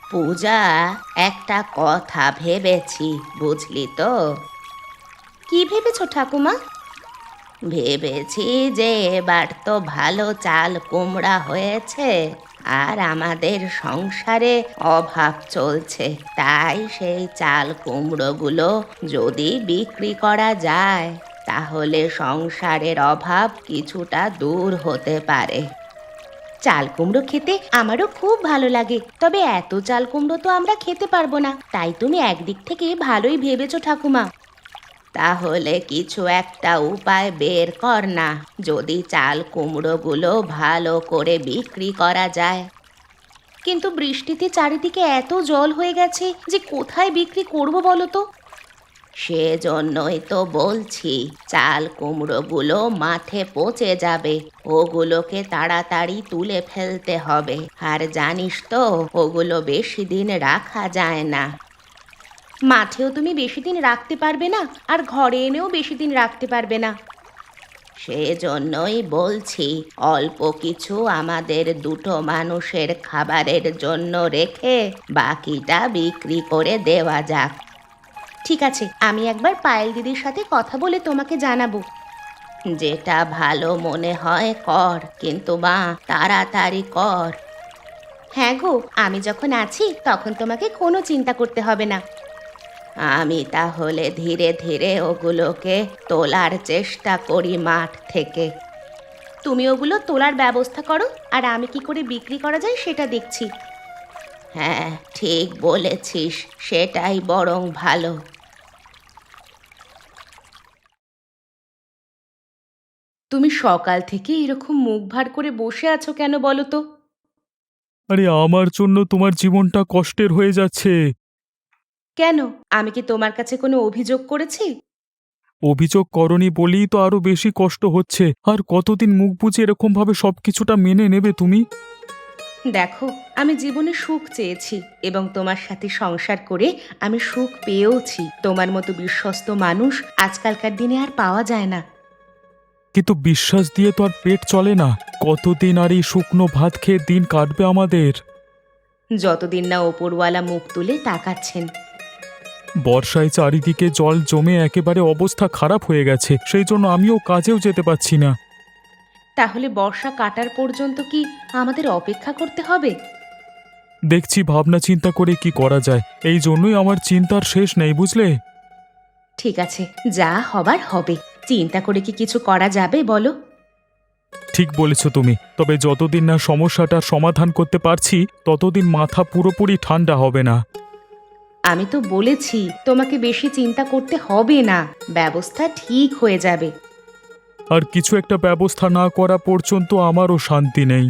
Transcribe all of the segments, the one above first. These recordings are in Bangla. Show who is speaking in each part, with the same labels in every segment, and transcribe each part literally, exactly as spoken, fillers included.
Speaker 1: পূজা, একটা কথা ভেবেছি, বুঝলি তো? কি ভেবেছো ঠাকুমা? ভেবেছি যে এবার তো ভালো চাল কুমড়া হয়েছে, আর আমাদের সংসারে অভাব চলছে। তাই সেই চাল কুমড়োগুলো যদি বিক্রি করা যায়, তাহলে সংসারের অভাব কিছুটা দূর হতে পারে। চাল কুমড়ো খেতে আমারও খুব ভালো লাগে, তবে এত চাল কুমড়ো তো আমরা খেতে পারবো না। তাই তুমি একদিক থেকে ভালোই ভেবেছো ঠাকুমা। তাহলে কিছু একটা উপায় বের কর না, যদি চাল কুমড়োগুলো ভালো করে বিক্রি করা যায়। কিন্তু বৃষ্টিতে চারিদিকে এত জল হয়ে গেছে যে কোথায় বিক্রি করব বলো তো? সেজন্যই তো বলছি, চাল কুমড়োগুলো মাঠে পচে যাবে, ওগুলোকে তাড়াতাড়ি তুলে ফেলতে হবে। আর জানিস তো, ওগুলো বেশি দিন রাখা যায় না। মাঠেও তুমি বেশি দিন রাখতে পারবে না, আর ঘরে এনেও বেশি দিন রাখতে পারবে না। সেজন্যই বলছি, অল্প কিছু আমাদের দুটো মানুষের খাবারের জন্য রেখে বাকিটা বিক্রি করে দেওয়া যাক। ঠিক আছে, আমি একবার পায়েল দিদির সাথে কথা বলে তোমাকে জানাবো। যেটা ভালো মনে হয় কর, কিন্তু মা, তাড়াতাড়ি কর। হ্যাঁ গো, আমি যখন আছি তখন তোমাকে কোনো চিন্তা করতে হবে না। আমি তাহলে ধীরে ধীরে ওগুলোকে তোলার চেষ্টা করি মাঠ থেকে। তুমি ওগুলো তোলার ব্যবস্থা করো, আর আমি কি করে বিক্রি করা যায় সেটা দেখছি। হ্যাঁ, ঠিক বলেছিস, সেটাই বরং ভালো। তুমি সকাল থেকে এরকম মুখ ভার করে বসে আছো কেন বলো তো?
Speaker 2: আরে আমার জন্য তোমার জীবনটা কষ্টের হয়ে যাচ্ছে।
Speaker 1: কেন? আমি কি তোমার কাছে কোনো অভিযোগ করেছি?
Speaker 2: অভিযোগ করনি বলেই তো আরো বেশি কষ্ট হচ্ছে। আর কতদিন মুখ বুজে এরকম ভাবে সবকিছুটা মেনে নেবে তুমি?
Speaker 1: দেখো, আমি জীবনে সুখ চেয়েছি, এবং তোমার সাথে সংসার করে আমি সুখ পেয়েওছি। তোমার মতো বিশ্বস্ত মানুষ আজকালকার দিনে আর পাওয়া যায় না।
Speaker 2: কিন্তু বিশ্বাস দিয়ে তো আর পেট চলে না। কতদিন আর এই শুকনো ভাত খেয়ে দিন কাটবে আমাদের?
Speaker 1: যতদিন না ওপরওয়ালা মুখ তুলে তাকাচ্ছেন।
Speaker 2: বর্ষায় চারিদিকে জল জমে একেবারে অবস্থা খারাপ হয়ে গেছে, সেই জন্য আমিও কাজেও যেতে পারছি না।
Speaker 1: তাহলে বর্ষা কাটার পর্যন্ত কি আমাদের অপেক্ষা করতে হবে?
Speaker 2: দেখছি ভাবনা চিন্তা করে কি করা যায়। এই জন্যই আমার চিন্তার শেষ নেই, বুঝলে?
Speaker 1: ঠিক আছে, যা হবার হবে। চিন্তা করে কি কিছু করা যাবে বলো?
Speaker 2: ঠিক বলেছ তুমি, তবে যতদিন না সমস্যাটার সমাধান করতে পারছি ততদিন মাথা পুরোপুরি ঠান্ডা হবে না।
Speaker 1: আমি তো বলেছি তোমাকে বেশি চিন্তা করতে হবে না, ব্যবস্থা ঠিক হয়ে যাবে।
Speaker 2: আর কিছু একটা ব্যবস্থা না করা পর্যন্ত আমারও শান্তি নেই।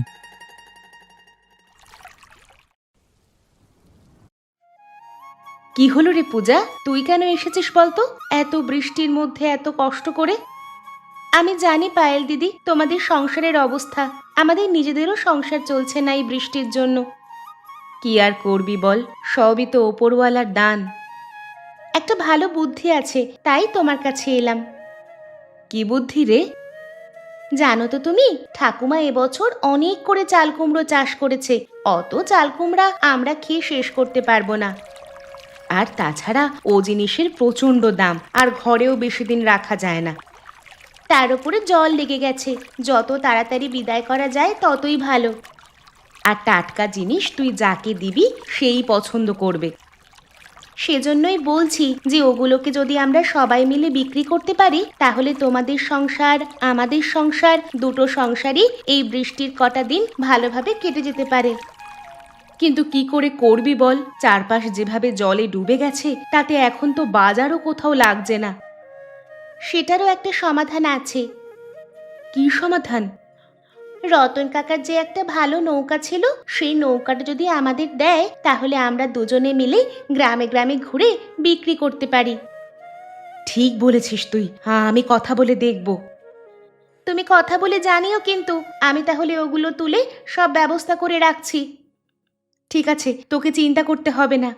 Speaker 1: কি হলো রে পূজা, তুই কেন এসেছিস বলতো, এত বৃষ্টির মধ্যে এত কষ্ট করে? আমি জানি পায়েল দিদি, তোমাদের সংসারের অবস্থা। আমাদের নিজেদেরও সংসার চলছে না এই বৃষ্টির জন্য। কি আর করবি বল, সবই তো ওপরওয়ালার দান। একটা ভালো বুদ্ধি আছে, তাই তোমার কাছে এলাম। কি বুদ্ধি রে? জানো তো তুমি, ঠাকুমা এবছর অনেক করে চাল কুমড়ো চাষ করেছে। অত চাল কুমড়া আমরা খেয়ে শেষ করতে পারবো না। আর তাছাড়া ও জিনিসের প্রচণ্ড দাম, আর ঘরেও বেশি দিন রাখা যায় না। তার উপরে জল লেগে গেছে, যত তাড়াতাড়ি বিদায় করা যায় ততই ভালো। আর টাটকা জিনিস তুই যাকে দিবি সেই পছন্দ করবে। সেজন্যই বলছি যে ওগুলোকে যদি আমরা সবাই মিলে বিক্রি করতে পারি, তাহলে তোমাদের সংসার, আমাদের সংসার, দুটো সংসারই এই বৃষ্টির কটা দিন ভালোভাবে কেটে যেতে পারে। কিন্তু কি করে করবি বল, চারপাশ যেভাবে জলে ডুবে গেছে, তাতে এখন তো বাজারও কোথাও লাগছে না। সেটারও একটা সমাধান আছে। কি সমাধান? রতন কাকার যে একটা ভালো নৌকা ছিল, সেই নৌকাটা যদি আমাদের দেয়, তাহলে আমরা দুজনে মিলে গ্রামে গ্রামে ঘুরে বিক্রি করতে পারি। ঠিক বলেছিস তুই, হ্যাঁ আমি কথা বলে দেখব। তুমি কথা বলে জানিও কিন্তু, আমি তাহলে ওগুলো তুলে সব ব্যবস্থা করে রাখছি। ঠিক আছে, তোকে চিন্তা করতে হবে না।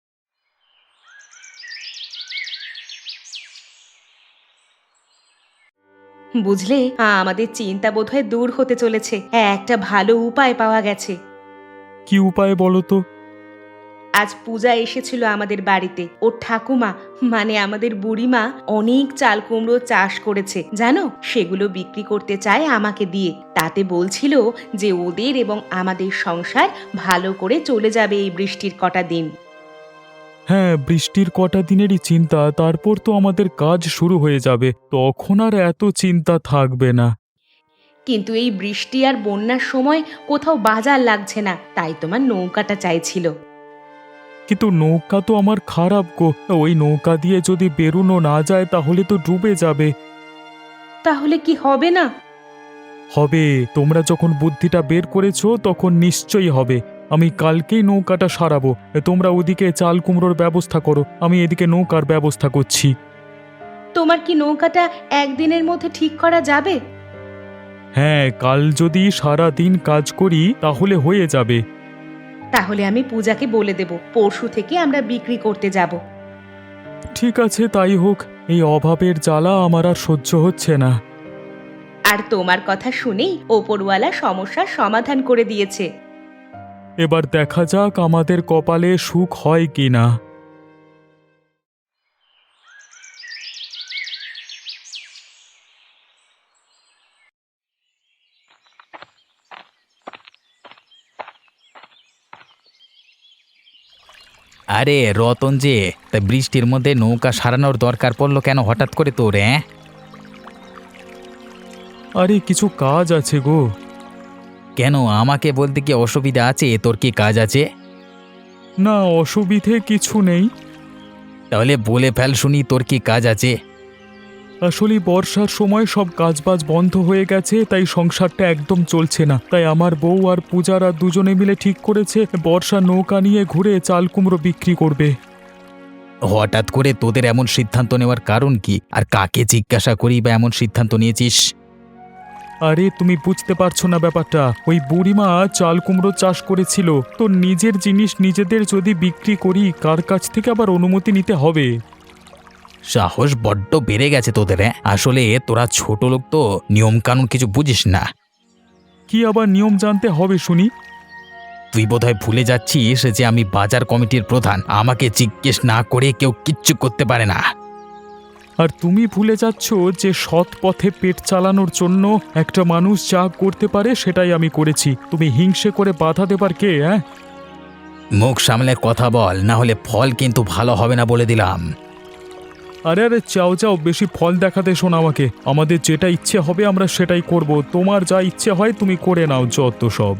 Speaker 1: বুঝলে, আমাদের চিন্তা বোধহয় দূর হতে চলেছে। একটা ভালো উপায় পাওয়া গেছে।
Speaker 2: কি উপায় বলো তো?
Speaker 1: আজ পূজা এসেছিল আমাদের বাড়িতে। ওর ঠাকুমা মানে আমাদের বুড়িমা অনেক চাল কুমড়ো চাষ করেছে জানো, সেগুলো বিক্রি করতে চায় আমাকে দিয়ে। তাতে বলছিল যে ওদের এবং আমাদের সংসার ভালো করে চলে যাবে এই বৃষ্টির কটা দিন।
Speaker 2: হ্যাঁ, বৃষ্টির কটা দিনেরই চিন্তা, তারপর তো আমাদের কাজ শুরু হয়ে যাবে, তখন আর এত চিন্তা থাকবে না।
Speaker 1: কিন্তু এই বৃষ্টি আর বন্যার সময় কোথাও বাজার লাগছে না, তাই তোমার নৌকাটা চাইছিল।
Speaker 2: কিন্তু নৌকা তো আমার খারাপ গো, ওই নৌকা দিয়ে যদি বেরোনো না যায় তাহলে তো ডুবে যাবে।
Speaker 1: তাহলে কি হবে না?
Speaker 2: হবে, তোমরা যখন বুদ্ধিটা বের করেছো তখন নিশ্চয়ই হবে। আমি কালকেই নৌকাটা সারাবো। তোমরা ওদিকে চাল কুমড়োর ব্যবস্থা করো, আমি এদিকে নৌকার ব্যবস্থা করছি।
Speaker 1: তোমার কি নৌকাটা একদিনের মধ্যে ঠিক করা যাবে?
Speaker 2: হ্যাঁ, কাল যদি সারা দিন কাজ করি তাহলে হয়ে যাবে।
Speaker 1: তাহলে আমি পূজাকে বলে দেব, পরশু থেকে আমরা বিক্রি করতে যাব।
Speaker 2: ঠিক আছে, তাই হোক। এই অভাবের জ্বালা আমার আর সহ্য হচ্ছে না।
Speaker 1: আর তোমার কথা শুনেই ওপরওয়ালা সমস্যার সমাধান করে দিয়েছে।
Speaker 2: এবার দেখা যাক আমাদের কপালে সুখ হয় কি না।
Speaker 3: আরে রতন যে, তা বৃষ্টির মধ্যে নৌকা সারানোর দরকার পড়লো কেন হঠাৎ করে তোর? হ্যাঁ,
Speaker 2: আরে কিছু কাজ আছে গো।
Speaker 3: কেন আমাকে বলতে কি অসুবিধা আছে? তোর কি কাজ আছে?
Speaker 2: না, অসুবিধে কিছু নেই।
Speaker 3: তাহলে বলে ফেল শুনি, তোর কি কাজ আছে?
Speaker 2: আসলে বর্ষার সময় সব কাজবাজ বন্ধ হয়ে গেছে, তাই সংসারটা একদম চলছে না। তাই আমার বউ আর পূজারা দুজনে মিলে ঠিক করেছে বর্ষা নৌকা নিয়ে ঘুরে চাল কুমড়ো বিক্রি করবে।
Speaker 3: হঠাৎ করে তোদের এমন সিদ্ধান্ত নেওয়ার কারণ কি? আর কাকে জিজ্ঞাসা করি বা এমন সিদ্ধান্ত নিয়েছিস?
Speaker 2: আরে তুমি বুঝতে পারছো না ব্যাপারটা। ওই বুড়িমা চাল কুমড়ো চাষ করেছিল, তো নিজের জিনিস নিজেদের যদি বিক্রি করি কার কাছ থেকে আবার অনুমতি নিতে হবে?
Speaker 3: সাহস বড্ড বেড়ে গেছে তোদের। হ্যাঁ, আসলে তোরা ছোট লোক তো, নিয়ম কানুন কিছু বুঝিস না।
Speaker 2: কি আবার নিয়ম জানতে হবে শুনি?
Speaker 3: তুই বোধহয় ভুলে যাচ্ছিস যে আমি বাজার কমিটির প্রধান, আমাকে জিজ্ঞেস না করে কেউ কিচ্ছু করতে পারে না।
Speaker 2: আর তুমি ভুলে যাচ্ছ যে সৎ পথে পেট চালানোর জন্য একটা মানুষ যা করতে পারে সেটাই আমি করেছি। তুমি হিংসে করে বাধা দেবার কে? হ্যাঁ,
Speaker 3: মুখ সামলে কথা বল, না হলে ফল কিন্তু ভালো হবে না বলে দিলাম।
Speaker 2: আরে আরে চাও চাও, বেশি ফল দেখাতে শোন আমাকে। আমাদের যেটা ইচ্ছে হবে আমরা সেটাই করব। তোমার যা ইচ্ছে হয় তুমি করে নাও যত সব।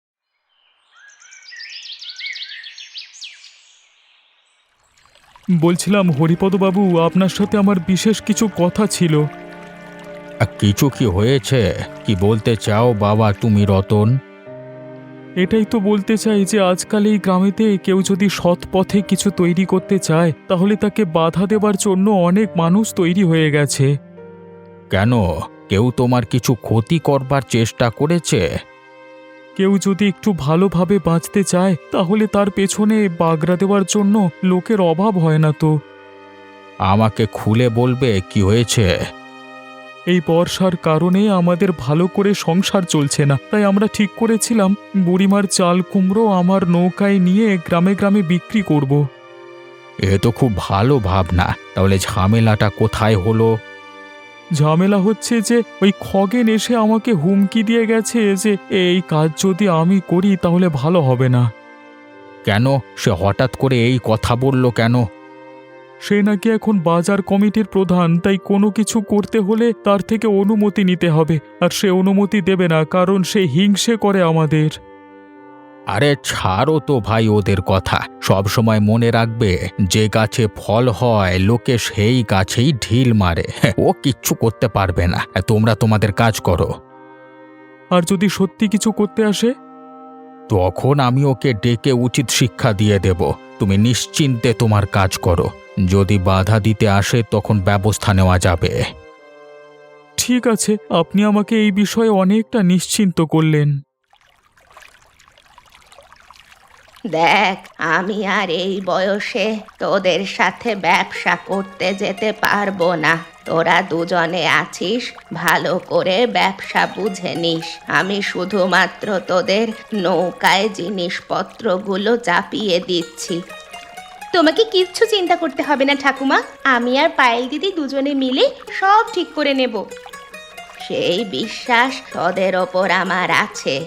Speaker 2: বলছিলাম হরিপদবাবু, আপনার সাথে আমার বিশেষ কিছু কথা ছিল।
Speaker 3: কিছু কি হয়েছে? কি বলতে চাও বাবা তুমি রতন?
Speaker 2: এটাই তো বলতে চাই যে আজকাল এই গ্রামেতে কেউ যদি সৎ পথে কিছু তৈরি করতে চায় তাহলে তাকে বাধা দেবার জন্য অনেক মানুষ তৈরি হয়ে গেছে।
Speaker 3: কেন, কেউ তোমার কিছু ক্ষতি করবার চেষ্টা করেছে?
Speaker 2: কেউ যদি একটু ভালোভাবে বাঁচতে চায় তাহলে তার পেছনে বাগড়া দেওয়ার জন্য লোকের অভাব হয় না তো।
Speaker 3: আমাকে খুলে বলবে কি হয়েছে?
Speaker 2: এই বর্ষার কারণে আমাদের ভালো করে সংসার চলছে না, তাই আমরা ঠিক করেছিলাম বুড়িমার চাল কুমড়ো আমার নৌকায় নিয়ে গ্রামে গ্রামে বিক্রি করব।
Speaker 3: এ তো খুব ভালো ভাবনা, তাহলে ঝামেলাটা কোথায় হলো?
Speaker 2: ঝামেলা হচ্ছে যে ওই খগেন এসে আমাকে হুমকি দিয়ে গেছে যে এই কাজ যদি আমি করি তাহলে ভালো হবে না।
Speaker 3: কেন, সে হঠাৎ করে এই কথা বলল কেন?
Speaker 2: সে নাকি এখন বাজার কমিটির প্রধান, তাই কোনো কিছু করতে হলে তার থেকে অনুমতি নিতে হবে, আর সে অনুমতি দেবে না কারণ সে হিংসে করে আমাদের।
Speaker 3: আরে ছাড়ো তো ভাই ওদের কথা, সব সময় মনে রাখবে যে গাছে ফল হয় লোকে সেই গাছেই ঢিল মারে। ও কিচ্ছু করতে পারবে না, তোমরা তোমাদের কাজ করো।
Speaker 2: আর যদি সত্যি কিছু করতে আসে?
Speaker 3: তখন আমি ওকে ডেকে উচিত শিক্ষা দিয়ে দেব। তুমি নিশ্চিন্তে তোমার কাজ করো, যদি বাধা দিতে আসে তখন ব্যবস্থা নেওয়া যাবে।
Speaker 2: ঠিক আছে, আপনি আমাকে এই বিষয়ে অনেকটা নিশ্চিন্ত করলেন।
Speaker 1: দেখ, আমি আর এই বয়সে তোদের সাথে ব্যবসা করতে যেতে পারবো না। তোরা দুজনে আছিস, ভালো করে ব্যবসা বুঝে নিস। আমি শুধুমাত্র তোদের নৌকায় জিনিসপত্রগুলো চাপিয়ে দিচ্ছি। তোমাকে কিচ্ছু চিন্তা করতে হবে না ঠাকুমা, আমি আর পায়েল দিদি দুজনে মিলে সব ঠিক করে নেব। সেই বিশ্বাস তোদের ওপর আমার আছে।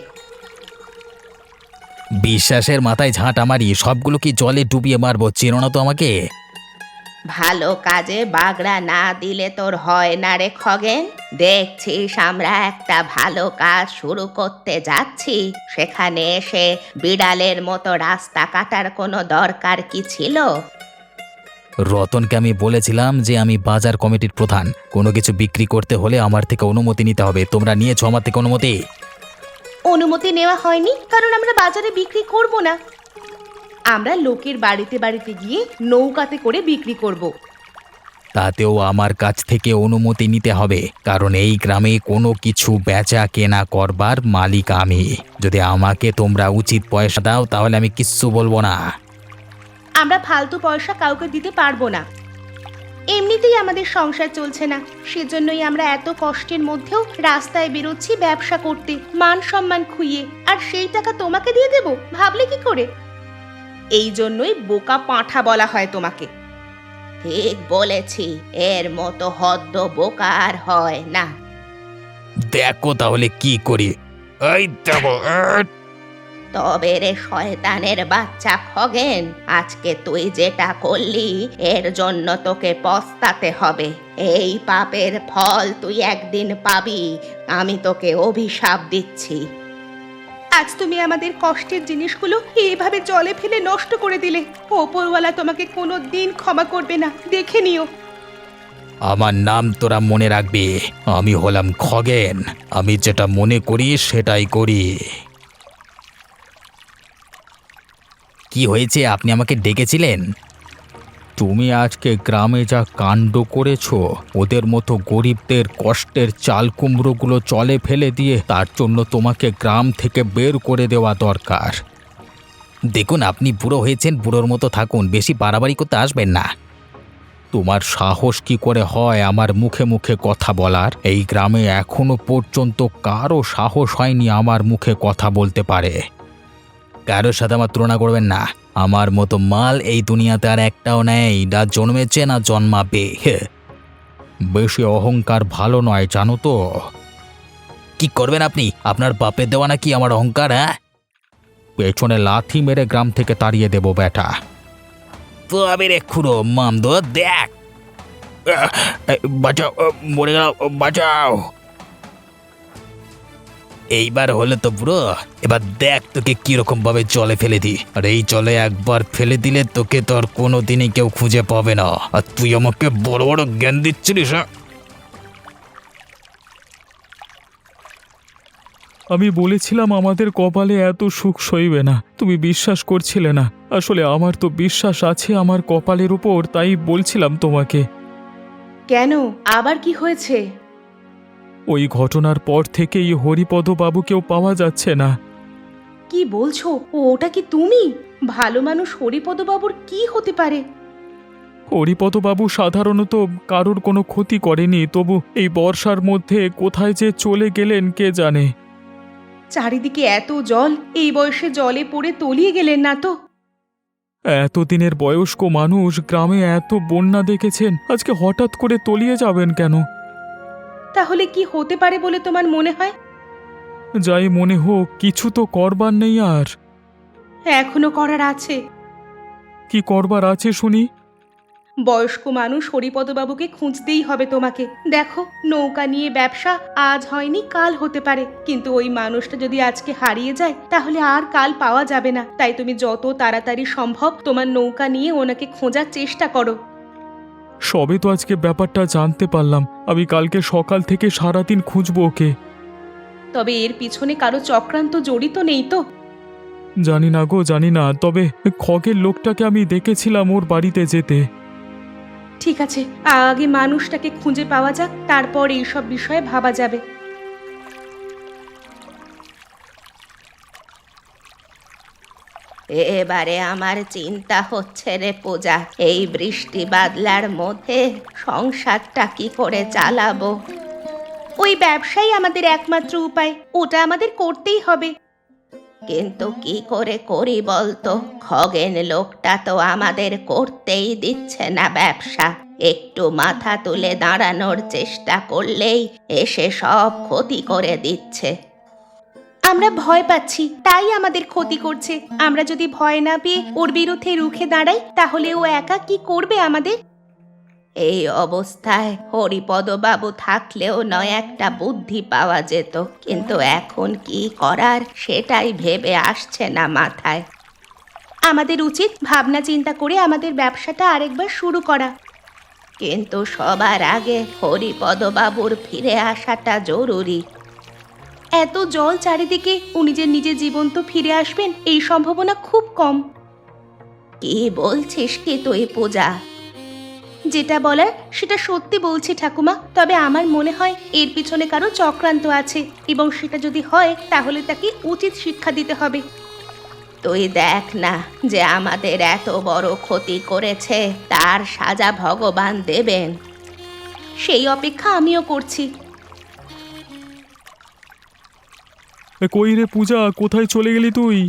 Speaker 3: বিশ্বাসের মাথায় ঝাঁটা মারি, সবগুলো কি জলে ডুবিয়ে মারবো? চেনো না তো আমাকে।
Speaker 1: ভালো কাজে বাগড়া না দিলে তোর হয় না রে খগেন। দেখছিস আমরা একটা ভালো কাজ শুরু করতে যাচ্ছি, সেখানে এসে বিড়ালের মতো রাস্তা কাটার কোনো দরকার কি ছিল?
Speaker 3: রতনকে আমি বলেছিলাম যে আমি বাজার কমিটির প্রধান, কোনো কিছু বিক্রি করতে হলে আমার থেকে অনুমতি নিতে হবে। তোমরা নিয়েছো আমার থেকে অনুমতি?
Speaker 1: অনুমতি নেওয়া হয়নি, কারণ আমরা বাজারে বিক্রি করব না। আমরা লোকের বাড়িতে বাড়িতে গিয়ে নৌকাতে করে বিক্রি করব।
Speaker 3: তাতেও আমার কাছ থেকে অনুমতি নিতে হবে, কারণ এই গ্রামে কোনো কিছু বেচা কেনা করবার মালিক আমি। যদি আমাকে তোমরা উচিত পয়সা দাও তাহলে আমি কিচ্ছু বলবো না।
Speaker 1: আমরা ফালতু পয়সা কাউকে দিতে পারবো না। এমনিতেই আমাদের সংসার চলছে না, সেজন্যই আমরা এত কষ্টের মধ্যেও রাস্তায় বেরোচ্ছি ব্যবসা করতে, মান সম্মান খুইয়ে। আর সেই টাকা তোমাকে দিয়ে দেব ভাবলে কি করে? এই জন্যই বোকা পাঁঠা বলা হয় তোমাকে। ঠিক বলেছি, এর মতো হদ্দ বোকা আর হয় না।
Speaker 3: দেখো তাহলে কি করি। এই দেখো।
Speaker 1: তবে রে শয়তানের বাচ্চা খগেন, আজকে তুই যেটা করলি এর জন্য তোকে পস্তাতে হবে। এই পাপের ফল তুই একদিন পাবি, আমি তোকে অভিশাপ দিচ্ছি। আজ তুমি আমাদের কষ্টের জিনিসগুলো এইভাবে জলে ফেলে নষ্ট করে দিলে, ওপরওয়ালা তোমাকে কোনো দিন ক্ষমা করবে না, দেখে নিও।
Speaker 3: আমার নাম তোরা মনে রাখবি, আমি হলাম খগেন। আমি যেটা মনে করি সেটাই করি। কি হয়েছে, আপনি আমাকে ডেকেছিলেন? তুমি আজকে গ্রামে যা কাণ্ড করেছো, ওদের মতো গরিবদের কষ্টের চাল কুমড়োগুলো জলে ফেলে দিয়ে তার জন্য তোমাকে গ্রাম থেকে বের করে দেওয়া দরকার। দেখুন, আপনি বুড়ো হয়েছেন, বুড়োর মতো থাকুন, বেশি বাড়াবাড়ি করতে আসবেন না। তোমার সাহস কি করে হয় আমার মুখে মুখে কথা বলার? এই গ্রামে এখনো পর্যন্ত কারো সাহস হয়নি আমার মুখে কথা বলতে পারে। কারোর সাথে আমার তুলনা করবেন না। আমার মতো মাল এই দুনিয়াতে আর একটাও নেই, না জন্মেছে না জন্মাবে। বেশি অহংকার ভালো নয়, জানো তো? কি করবেন আপনি? আপনার বাপের দেওয়া নাকি আমার অহংকার? হ্যাঁ, পেছনে লাথি মেরে গ্রাম থেকে তাড়িয়ে দেব বেটা। তো আমি রে খুড়ো মামদো, দেখ। বাঁচাও, মরে গেল, বাঁচাও। এইবার হলে তো বুড়ো, এবার দেখ তোকে কিরকম ভাবে জলে ফেলে দি। আর এই জলে একবার ফেলে দিলে তোকে তো আর কোনো দিনই কেউ খুঁজে পাবে না। আর তুই আমাকে বড় বড় জ্ঞান দিচ্ছিলিস? হ্যাঁ,
Speaker 2: আমি বলেছিলাম আমাদের কপালে এত সুখ সইবে না, তুমি বিশ্বাস করছিলে না। আসলে আমার তো বিশ্বাস আছে আমার কপালের উপর, তাই বলছিলাম তোমাকে।
Speaker 1: কেন, আবার কি হয়েছে?
Speaker 2: ওই ঘটনার পর থেকেই হরিপদ বাবুকেও পাওয়া যাচ্ছে না।
Speaker 1: কি বলছো? ওটা কি তুমি? ভালো মানুষ হরিপদ বাবুর কি হতে পারে?
Speaker 2: হরিপদবাবু সাধারণত কারোর কোনো ক্ষতি করেনি, তবু এই বর্ষার মধ্যে কোথায় যে চলে গেলেন কে জানে।
Speaker 1: চারিদিকে এত জল, এই বয়সে জলে পড়ে তলিয়ে গেলেন না তো?
Speaker 2: এতদিনের বয়স্ক মানুষ, গ্রামে এত বন্যা দেখেছেন, আজকে হঠাৎ করে তলিয়ে যাবেন কেন?
Speaker 1: তাহলে কি হতে পারে বলে তোমার মনে হয়?
Speaker 2: যাই মনে হোক, কিছু তো করবার নেই আর।
Speaker 1: এখনো করার আছে।
Speaker 2: কি করবার আছে শুনি?
Speaker 1: বয়স্ক মানুষ হরিপদবাবুকে খুঁজতেই হবে তোমাকে। দেখো, নৌকা নিয়ে ব্যবসা আজ হয়নি কাল হতে পারে, কিন্তু ওই মানুষটা যদি আজকে হারিয়ে যায় তাহলে আর কাল পাওয়া যাবে না। তাই তুমি যত তাড়াতাড়ি সম্ভব তোমার নৌকা নিয়ে ওনাকে খোঁজার চেষ্টা করো।
Speaker 2: সবে তো আজকে ব্যাপারটা জানতে পারলাম, আমি কালকে সকাল থেকে সারাদিন খুঁজবো ওকে।
Speaker 1: তবে এর পিছনে কারো চক্রান্ত জড়িত নেই তো?
Speaker 2: জানি না গো, জানি না, তবে খগের লোকটাকে আমি দেখেছিলাম ওর বাড়িতে যেতে।
Speaker 1: ঠিক আছে, আগে মানুষটাকে খুঁজে পাওয়া যাক, তারপর এইসব বিষয়ে ভাবা যাবে। এবারে আমার চিন্তা হচ্ছে রে পূজা, এই বৃষ্টি বাদলার মধ্যে সংসারটা কি করে চালাবো। ওই ব্যবসাই আমাদের একমাত্র উপায়, ওটা আমাদের করতেই হবে। কিন্তু কি করে করি বলতো, খগেন লোকটা তো আমাদের করতেই দিচ্ছে না ব্যবসা। একটু মাথা তুলে দাঁড়ানোর চেষ্টা করলেই এসে সব ক্ষতি করে দিচ্ছে। আমরা ভয় পাচ্ছি, তাই আমাদের ক্ষতি করছে। আমরা যদি ভয় না পেয়ে ওর বিরুদ্ধে রুখে দাঁড়াই, তাহলে ও একা কি করবে আমাদের? এই অবস্থায় হরিপদ বাবু থাকলেও নয় একটা বুদ্ধি পাওয়া যেত, কিন্তু এখন কি করার সেটাই ভেবে আসছে না মাথায়। আমাদের উচিত ভাবনা চিন্তা করে আমাদের ব্যবসাটা আরেকবার শুরু করা, কিন্তু সবার আগে হরিপদ বাবুর ফিরে আসাটা জরুরি। এত জল চারিদিকে, উনি যে নিজের জীবন্ত ফিরে আসবেন এই সম্ভাবনা খুব কম। কি বলছিস কি তুই পূজা? যেটা বলার সেটা সত্যি বলছি ঠাকুমা, তবে আমার মনে হয় এর পিছনে কারো চক্রান্ত আছে, এবং সেটা যদি হয় তাহলে তাকে উচিত শিক্ষা দিতে হবে। তুই দেখ না, যে আমাদের এত বড় ক্ষতি করেছে তার সাজা ভগবান দেবেন। সেই অপেক্ষা আমিও করছি।
Speaker 2: এ, কই রে পূজা, কোথায় চলে গেলি তুই?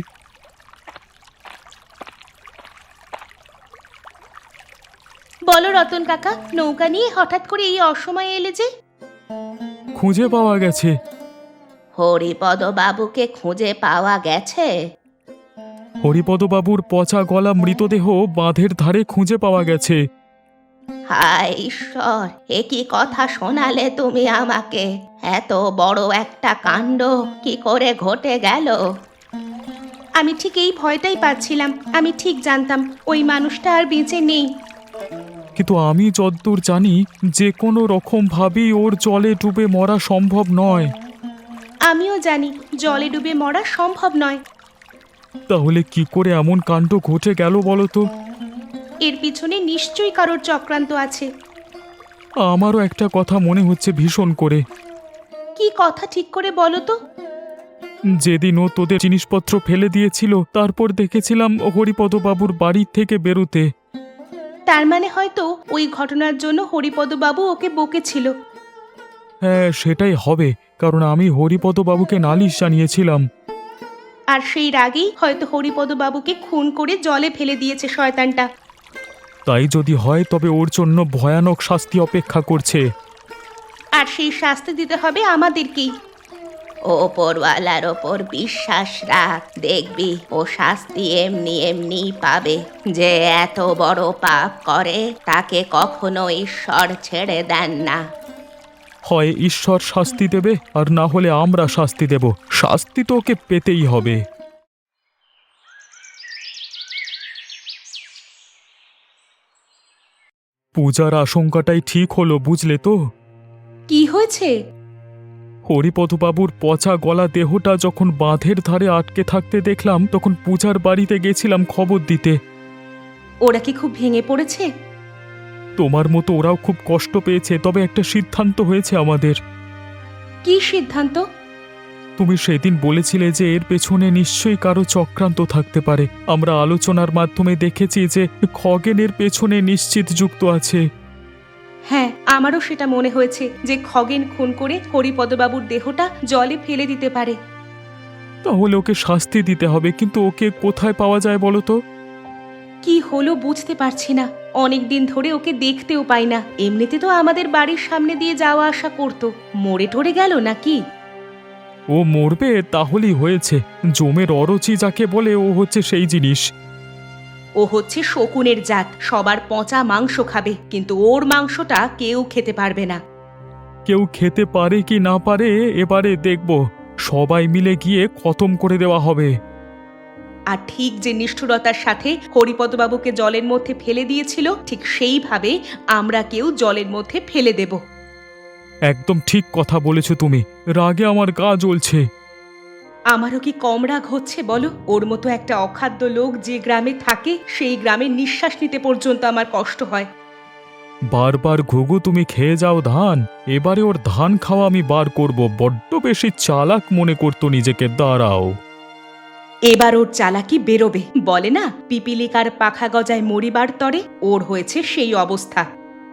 Speaker 1: বলো রতন কাকা, নৌকা নিয়ে হঠাৎ করে এই অসময়ে এলে যে?
Speaker 2: খুঁজে পাওয়া গেছে।
Speaker 1: হরিপদ বাবুকে খুঁজে পাওয়া গেছে?
Speaker 2: হরিপদবাবুর পচা গলা মৃতদেহ বাঁধের ধারে খুঁজে পাওয়া গেছে।
Speaker 1: হায় ঈশ্বর, এ কি কথা শোনালে তুমি আমাকে? এত বড় একটা কাণ্ড কি করে ঘটে গেল? আমি ঠিক এই ভয়টাই পাচ্ছিলাম। আমি ঠিক জানতাম ওই মানুষটা আর বেঁচে নেই।
Speaker 2: কিন্তু আমি যদ্দূর জানি যে কোনো রকম ভাবেই ওর জলে ডুবে মরা সম্ভব নয়।
Speaker 1: আমিও জানি জলে ডুবে মরা সম্ভব নয়।
Speaker 2: তাহলে কি করে এমন কাণ্ড ঘটে গেল বলো তো?
Speaker 1: এর পিছনে নিশ্চয়ই কারোর চক্রান্ত আছে।
Speaker 2: আমারও একটা কথা মনে হচ্ছে ভীষণ করে।
Speaker 1: কি কথা ঠিক করে বলো তো?
Speaker 2: যেদিন ও তোদের জিনিসপত্র ফেলে দিয়েছিল, তারপর দেখেছিলাম হরিপদবাবুর বাড়ির থেকে বেরোতে।
Speaker 1: তার মানে হয়তো ওই ঘটনার জন্য হরিপদ বাবু ওকে বকেছিল।
Speaker 2: হ্যাঁ, সেটাই হবে, কারণ আমি হরিপদবাবুকে নালিশ জানিয়েছিলাম।
Speaker 1: আর সেই রাগেই হয়তো হরিপদ বাবুকে খুন করে জলে ফেলে দিয়েছে শয়তানটা।
Speaker 2: তাই যদি হয় তবে ওর জন্য ভয়ানক শাস্তি অপেক্ষা করছে।
Speaker 1: আর সেই শাস্তি দিতে হবে আমাদেরকেই। ওপরওয়ালার ওপর বিশ্বাস রাখ, দেখবি ও শাস্তি এমনি এমনি পাবে। যে এত বড় পাপ করে তাকে কখনো ঈশ্বর ছেড়ে দেন না।
Speaker 2: হয় ঈশ্বর শাস্তি দেবে, আর না হলে আমরা শাস্তি দেব। শাস্তি তো ওকে পেতেই হবে। পূজার আশঙ্কাটাই ঠিক হলো, বুঝলে তো?
Speaker 1: কি হয়েছে?
Speaker 2: হরিপদবাবুর পচা গলা দেহটা যখন বাঁধের ধারে আটকে থাকতে দেখলাম, তখন পূজার বাড়িতে গেছিলাম খবর দিতে।
Speaker 1: ওরা কি খুব ভেঙে পড়েছে?
Speaker 2: তোমার মতো ওরাও খুব কষ্ট পেয়েছে, তবে একটা সিদ্ধান্ত হয়েছে আমাদের।
Speaker 1: কি সিদ্ধান্ত?
Speaker 2: তুমি সেদিন বলেছিলে যে এর পেছনে নিশ্চয়ই কারো চক্রান্ত থাকতে পারে। আমরা আলোচনার মাধ্যমে দেখেছি যে খগেনের পেছনে নিশ্চিত যুক্ত আছে।
Speaker 1: হ্যাঁ, আমারও সেটা মনে হয়েছে যে খগেন খুন করে হরিপদবাবুর দেহটা জলে ফেলে দিতে পারে।
Speaker 2: তাহলে ওকে শাস্তি দিতে হবে, কিন্তু ওকে কোথায় পাওয়া যায় বলো তো?
Speaker 1: কি হলো বুঝতে পারছি না। অনেক দিন ধরে ওকে দেখতেও পাই না। এমনিতে তো আমাদের বাড়ির সামনে দিয়ে যাওয়া আসা করতো। মরে টরে গেল নাকি?
Speaker 2: ও মরবে তাহলেই হয়েছে। জমের অরুচি যাকে বলে, ও হচ্ছে সেই জিনিস।
Speaker 1: ও হচ্ছে শকুনের জাত, সবার পচা মাংস খাবে, কিন্তু ওর মাংসটা কেউ খেতে পারবে না।
Speaker 2: কেউ খেতে পারে কি না পারে এবারে দেখব। সবাই মিলে গিয়ে খতম করে দেওয়া হবে।
Speaker 1: আর ঠিক যে নিষ্ঠুরতার সাথে হরিপদবাবুকে জলের মধ্যে ফেলে দিয়েছিল, ঠিক সেইভাবে আমরা কেউ জলের মধ্যে ফেলে দেব।
Speaker 2: একদম ঠিক কথা বলেছো তুমি। রাগে আমার গা জ্বলছে।
Speaker 1: আমারও কি কম রাগ হচ্ছে বলো? ওর মতো একটা অখাদ্য লোক যে গ্রামে থাকে, সেই গ্রামে নিঃশ্বাস নিতে পর্যন্ত আমার কষ্ট হয়।
Speaker 2: বারবার ঘুঘু তুমি খেয়ে যাও ধান, এবারে ওর ধান খাওয়া আমি বার করব। বড্ড বেশি চালাক মনে করতো নিজেকে। দাঁড়াও।
Speaker 1: এবার ওর চালাকি বেরোবে। বলে না, পিপিলিকার পাখা গজায় মরিবার তরে, ওর হয়েছে সেই অবস্থা।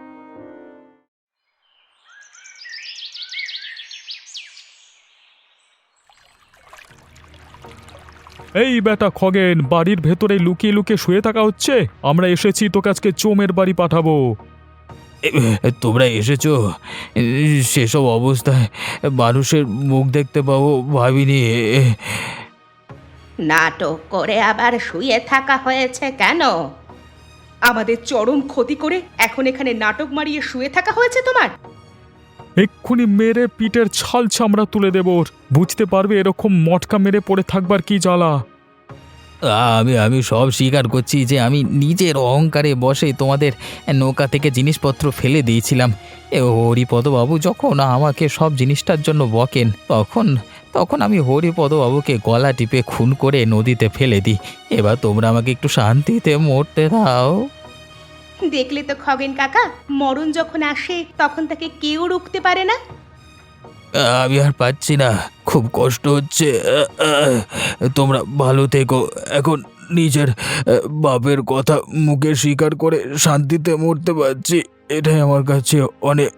Speaker 2: এই বেটা খগেন, বাড়ির ভেতরে লুকিয়ে লুকিয়ে শুয়ে থাকা হচ্ছে? আমরা এসেছি তোকে আজকে চোমের বাড়ি পাঠাবো।
Speaker 3: তোমরা এসেছো? সেসব অবস্থায় মানুষের মুখ দেখতে পাবো ভাবিনি।
Speaker 1: নাটক করে আবার শুয়ে থাকা হয়েছে কেন? আমাদের চরম ক্ষতি করে এখন এখানে নাটক মারিয়ে শুয়ে থাকা হয়েছে তোমার?
Speaker 2: এক্ষুনি মেরে পিঠের ছাল চামড়া তুলে দেব ওর। বুঝতে পারবে এরকম মটকা মেরে পড়ে থাকবার কি জ্বালা।
Speaker 3: আমি আমি সব স্বীকার করছি যে আমি নিজের অহংকারে বসে তোমাদের নৌকা থেকে জিনিসপত্র ফেলে দিয়েছিলাম। এ হরিপদবাবু যখন আমাকে সব জিনিসটার জন্য বকেন, তখন তখন আমি হরিপদবাবুকে গলা টিপে খুন করে নদীতে ফেলে দিই। এবার তোমরা আমাকে একটু শান্তিতে মরতে দাও।
Speaker 1: দেখলে তো খগেন কাকা, মরণ যখন আসে তখন তাকে কেউ রুখতে পারে না।
Speaker 3: আমি আর পাচ্ছি না, খুব কষ্ট হচ্ছে। তোমরা ভালো থেকো। এখন নিজের বাপের কথা মুখে স্বীকার করে শান্তিতে মরতে পারছি, এটাই আমার কাছে অনেক।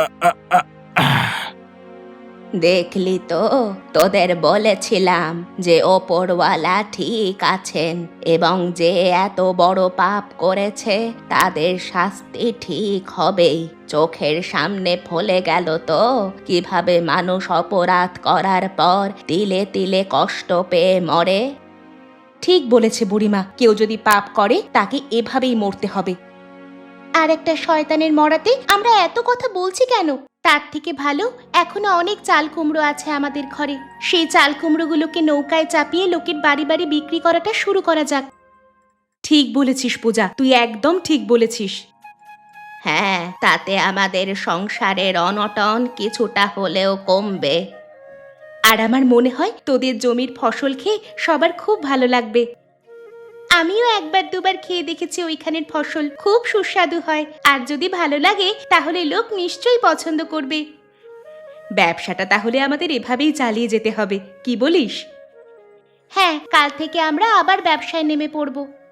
Speaker 1: দেখলি তো, তোদের বলেছিলাম যে ওপরওয়ালা ঠিক আছেন এবং যে এত বড় পাপ করেছে তাদের শাস্তি ঠিক হবেই। চোখের সামনে ফলে গেল তো কিভাবে মানুষ অপরাধ করার পর তিলে তিলে কষ্ট পেয়ে মরে। ঠিক বলেছে বুড়িমা, কেউ যদি পাপ করে তাকে এভাবেই মরতে হবে। আর একটা শয়তানের মরাতে আমরা এত কথা বলছি কেন? তার থেকে ভালো এখনো অনেক চাল কুমড়ো আছে আমাদের ঘরে, সেই চাল কুমড়োগুলোকে নৌকায় চাপিয়ে লোকের বাড়ি বাড়ি বিক্রি করাটা শুরু করা যাক। ঠিক বলেছিস পূজা, তুই একদম ঠিক বলেছিস। হ্যাঁ, তাতে আমাদের সংসারের অনটন কিছুটা হলেও কমবে। আর আমার মনে হয় তোদের জমির ফসল খেয়ে সবার খুব ভালো লাগবে। আমিও একবার দুবার খেয়ে দেখেছি ওইখানের ফসল, খুব সুস্বাদু হয়। আর যদি ভালো লাগে তাহলে লোক নিশ্চয়ই পছন্দ করবে। ব্যবসাটা তাহলে আমাদের এভাবেই চালিয়ে যেতে হবে, কি বলিস? হ্যাঁ, কাল থেকে আমরা আবার ব্যবসায় নেমে পড়ব।